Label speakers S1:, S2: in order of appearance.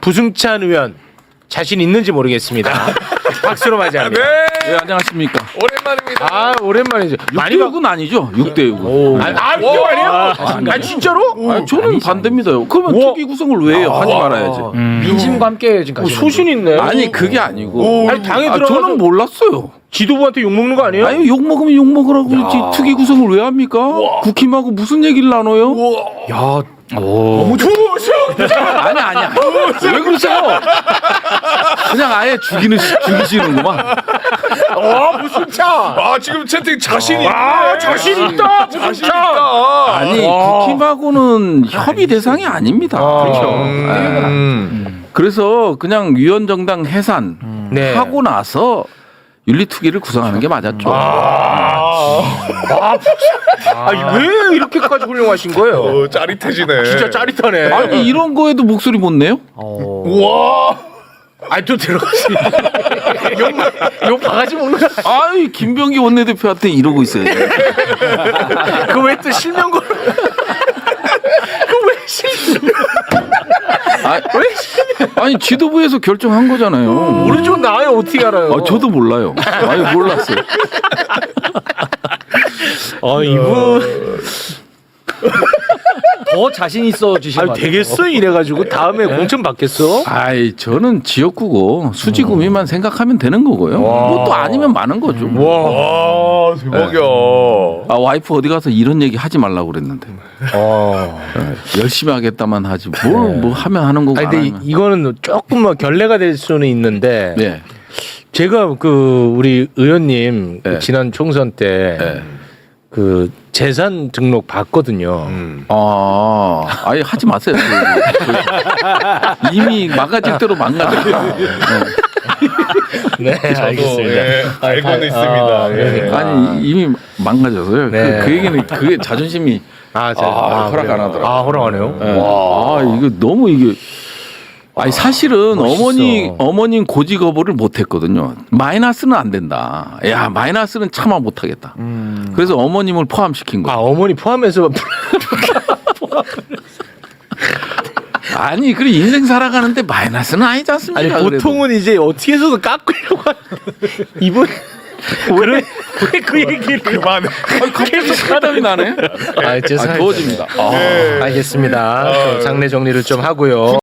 S1: 부승찬 의원 자신 있는지 모르겠습니다. 박수로 맞이합니다.
S2: 네, 안녕하십니까.
S3: 오랜만입니다.
S1: 아 오랜만이죠.
S2: 6대6은 아니죠. 6대6은.
S1: 이거 아니에요? 아 진짜로?
S2: 저는 반대입니다요. 그러면
S1: 우와.
S2: 특위 구성을 왜 해요? 하지 말아야지.
S4: 민심과 함께 지금
S1: 소신 있네.
S2: 아니 그게 아니고.
S1: 아니 당에 들어가서
S2: 저는 몰랐어요.
S1: 지도부한테 욕 먹는 거 아니에요?
S2: 아니 욕 먹으면 욕 먹으라고 그러지. 특위 구성을 왜 합니까? 국힘하고 무슨 얘기를 나눠요?
S4: 야
S1: 너무
S2: 아니야. 왜 그러세요? 그냥 아예 죽이시는구만.
S1: 부승찬.
S3: 아 지금 채팅 자신이
S1: 자신 있다.
S3: 자신 있다.
S2: 아니 국힘하고는 협의 대상이 아닙니다. 그래서 그냥 위원정당 해산
S1: 네.
S2: 하고 나서 윤리특위를 구성하는 게 맞았죠.
S1: 왜 이렇게까지 훌륭하신 거예요?
S3: 짜릿해지네.
S1: 진짜 짜릿하네.
S2: 아니 이런 거에도 목소리 못 내요?
S3: 와.
S1: 아니 또 들어갔어. 욕 바가지 먹는 거.
S2: 아이 김병기 원내대표한테 이러고 있어요.
S1: 그왜 또 실명 걸? 그왜 실명?
S2: 아니 지도부에서 결정한 거잖아요.
S1: 모르죠 나요 어떻게 알아요?
S2: 저도 몰라요. 아니 몰랐어요.
S1: 이분
S4: 더 자신 있어 주신 것 같아요.
S1: 되겠어 이래가지고 다음에 공천 받겠어?
S2: 아이 저는 지역구고 수지구미만 생각하면 되는 거고요. 뭐 또 아니면 많은 거죠.
S3: 와 대박이야.
S2: 와이프 어디 가서 이런 얘기 하지 말라고 그랬는데. 열심히 하겠다만 하지 뭘 뭐 하면 하는 거고.
S1: 아니
S2: 안
S1: 근데
S2: 하면.
S1: 이거는 조금 뭐 결례가 될 수는 있는데
S2: 네.
S1: 제가 그 우리 의원님
S2: 네.
S1: 지난 총선 때
S2: 네.
S1: 그 재산 등록 봤거든요.
S2: 아예 하지 마세요. 이미 망가질 대로 망가졌다.
S1: 네, 알겠습니다.
S3: 예, 알고는 있습니다. 예.
S2: 아니 이미 망가져서요.
S1: 네.
S2: 그 얘기는 그게 자존심이 허락 안 하더라고요.
S1: 허락하네요.
S2: 네. 이거 너무 이게. 아니 사실은
S1: 멋있어.
S2: 어머님 고지 거부를 못했거든요. 마이너스는 안 된다. 야 마이너스는 차마 못하겠다. 그래서 어머님을 포함시킨 거예요.
S1: 어머니 포함해서
S2: 아니 그래 인생 살아가는데 마이너스는 아니지 않습니까?
S1: 아니 보통은 이제 어떻게 해서든 깎으려고 이분 왜 그 얘기를
S3: 그만해.
S2: 갑자기 사담이 나네.
S1: 죄송합니다.
S2: 더워집니다.
S1: 알겠습니다. 장례 정리를 좀 하고요.